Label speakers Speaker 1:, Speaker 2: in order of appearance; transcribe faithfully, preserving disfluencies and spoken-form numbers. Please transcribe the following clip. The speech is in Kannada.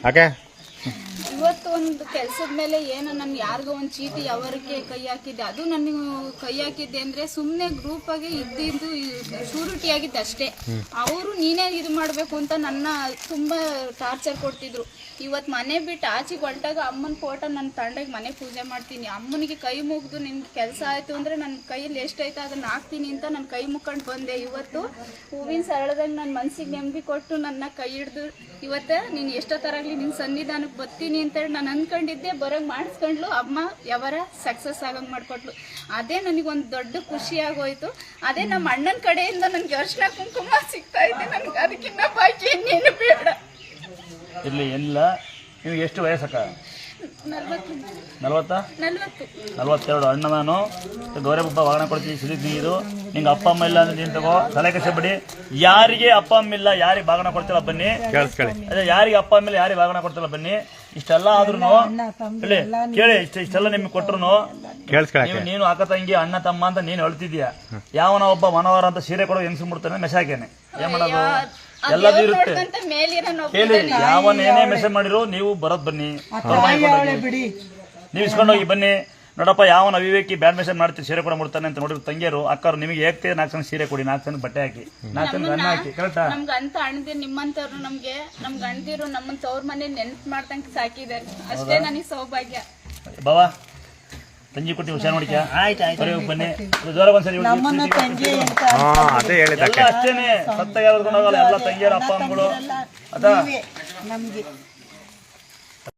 Speaker 1: ಓಕೆ
Speaker 2: ಇವತ್ತು ಒಂದು ಕೆಲಸದ ಮೇಲೆ ಏನೋ ನನ್ ಯಾರಿಗೋ ಒಂದು ಚೀಟಿ ಅವರಿಗೆ ಕೈ ಹಾಕಿದ್ದೆ, ಅದು ನನಗೆ ಕೈ ಹಾಕಿದ್ದೆ ಅಂದ್ರೆ ಸುಮ್ಮನೆ ಗ್ರೂಪ್ ಆಗಿ ಇದ್ದಿದ್ದು ಶೂರಿಟಿ ಆಗಿದ್ದೆ ಅಷ್ಟೇ. ಅವರು ನೀನೇ ಇದು ಮಾಡಬೇಕು ಅಂತ ನನ್ನ ತುಂಬಾ ಟಾರ್ಚರ್ ಕೊಡ್ತಿದ್ರು. ಇವತ್ತು ಮನೆ ಬಿಟ್ಟು ಆಚೆಗೆ ಹೊರಟಾಗ ಅಮ್ಮನ ಫೋಟೋ ನನ್ನ ತಂಡಗೆ ಮನೆ ಪೂಜೆ ಮಾಡ್ತೀನಿ, ಅಮ್ಮನಿಗೆ ಕೈ ಮುಗಿದು ನಿನ್ಗೆ ಕೆಲಸ ಆಯ್ತು ಅಂದ್ರೆ ನನ್ನ ಕೈಯಲ್ಲಿ ಎಷ್ಟೈತೆ ಅದನ್ನ ಹಾಕ್ತೀನಿ ಅಂತ ನನ್ನ ಕೈ ಮುಕ್ಕೊಂಡು ಬಂದೆ. ಇವತ್ತು ಹೂವಿನ ಸರಳದಾಗ ನನ್ನ ಮನಸ್ಸಿಗೆ ನೆಮ್ಮದಿ ಕೊಟ್ಟು ನನ್ನ ಕೈ ಹಿಡ್ದು ಇವತ್ತು ನೀನು ಎಷ್ಟೋ ತರಾಗ್ಲಿ ನಿನ್ನ ಸನ್ನಿಧಾನಕ್ಕೆ ಬರ್ತೀನಿ ಅಂತೇಳಿ ನಾನು ಅಂದ್ಕೊಂಡಿದ್ದೆ. ಬರೋಂಗೆ ಮಾಡಿಸ್ಕೊಂಡ್ಲು ಅಮ್ಮ, ಯಾವಾರ ಸಕ್ಸಸ್ ಆಗಂಗೆ ಮಾಡಿಕೊಟ್ಲು. ಅದೇ ನನಗೊಂದು ದೊಡ್ಡ ಖುಷಿ ಆಗೋಯ್ತು. ಅದೇ ನಮ್ಮ ಅಣ್ಣನ ಕಡೆಯಿಂದ ನನಗೆ ಅರ್ಶಿನ ಕುಂಕುಮ ಸಿಗ್ತಾ ಇದೆ, ನನಗೆ ಅದಕ್ಕಿಂತ ಬಾಕಿ ಇನ್ನೇನು ಬೇಡ.
Speaker 3: ಇರಲಿ ಏನಿಲ್ಲ. ನಿಮಗೆ ಎಷ್ಟು ವಯಸ್ಸಕ್ಕ?
Speaker 2: ನಲ್ವತ್ತು
Speaker 3: ನಲ್ವತ್ತಾ
Speaker 2: ನಲ್ವತ್ತು
Speaker 3: ನಲ್ವತ್ತೆರಡು. ಅಣ್ಣ ನಾನು ಗೌರವಬ್ಬ ವಾಗಣ ಕೊಡ್ತೀವಿ, ಸಿರಿದ್ ನೀರು. ನಿಂಗೆ ಅಪ್ಪ ಅಮ್ಮ ಇಲ್ಲ ಅಂದ್ರೆ ನೀನು ತಗೋ, ತಲೆ ಕಸಬಿಡಿ. ಯಾರಿಗೆ ಅಪ್ಪ ಅಮ್ಮ ಇಲ್ಲ, ಯಾರಿಗೆ ಬಾಗಣ ಕೊಡ್ತಿಲ್ಲ ಬನ್ನಿ. ಅದೇ ಯಾರಿಗೆ ಅಪ್ಪ ಅಮ್ಮ ಇಲ್ಲ, ಯಾರಿಗೆ ಬಾಗಣ ಕೊಡ್ತಿಲ್ಲ ಬನ್ನಿ. ಇಷ್ಟೆಲ್ಲ ಆದ್ರೂ ಹೇಳಿ ಕೇಳಿ, ಇಷ್ಟ ಇಷ್ಟೆಲ್ಲ ನಿಮ್ಗೆ ಕೊಟ್ರು ನೀವು ನೀನು ಅಕ್ಕ ತಂಗಿ ಅಣ್ಣ ತಮ್ಮ ಅಂತ ನೀನು ಹೇಳ್ತಿದ್ಯಾ. ಯಾವನ ಒಬ್ಬ ಮನವರ ಅಂತ ಸೀರೆ ಕೊಡೋ ಹೆಂಗ್ಸು ಮುಡ್ತಾನೆ ಮೆಸಾಕೇನೆ. ಏನ್ ಮಾಡೋದು, ಎಲ್ಲದೂ ಇರುತ್ತೆ. ಕೇಳಿ, ಯಾವನ್ ಏನೇ ಮೆಸೇಜ್ ಮಾಡಿರೋ ನೀವು ಬರೋದ್ ಬನ್ನಿ, ನೀವು ಇಸ್ಕೊಂಡೋಗಿ ಬನ್ನಿ. ನೋಡಪ್ಪ, ಯಾವನ ಅವಿವೇಕಿ ಬ್ಯಾಡ್ ಮೆಸೇಜ್ ಮಾಡ್ತೀವಿ ಸೀರೆ ಕೂಡ ಮುಡ್ತಾನೆ ಅಂತ ನೋಡಿದ್ರು ತಂಗಿಯರು ಅಕ್ಕರು ನಿಮಗೆ ಹೇಗ್ತೇ ನಾಲ್ಕು ಜನ ಸೀರೆ ಕೊಡಿ, ನಾಲ್ಕು ಜನ ಬಟ್ಟೆ ಹಾಕಿ, ನಾಲ್ಕು ಜನ ಅನ್ನ ಹಾಕಿ. ಕರೆಕ್ಟಾ?
Speaker 2: ನಮ್ಗೆ ಅಂತ ಅಣ್ಣದಿರು ನಿಮ್ಮಂತವ್ರು ನಮ್ಗೆ ನಮ್ಗೆ ಅಣ್ಣದಿರು ನಮ್ಮನ್ ತವ್ರ ಮನೆ ನೆನ್ಪು ಮಾಡ್ದಂಗೆ ಸಾಕಿದ್ದಾರೆ. ಅಷ್ಟೇ ನನಗೆ ಸೌಭಾಗ್ಯ.
Speaker 3: ಬಾವಾ ತಂಗಿ ಕೊಟ್ಟು ಹುಷಾರ್ ನೋಡಿಕ. ಆಯ್ತು ಆಯ್ತು ಬನ್ನಿ, ಜ್ವರ ಒಂದ್ಸರಿ
Speaker 1: ಅದೇ ಹೇಳಿದ
Speaker 3: ಅಷ್ಟೇನೆ. ಸತ್ತ ಯಾವ್ದು ಹೋಗಲ್ಲ, ಎಲ್ಲ ತಂಗಿಯರ ಅಪ್ಪ ಅಮ್ಮಗಳು ಅದ
Speaker 4: ನಮ್ಗೆ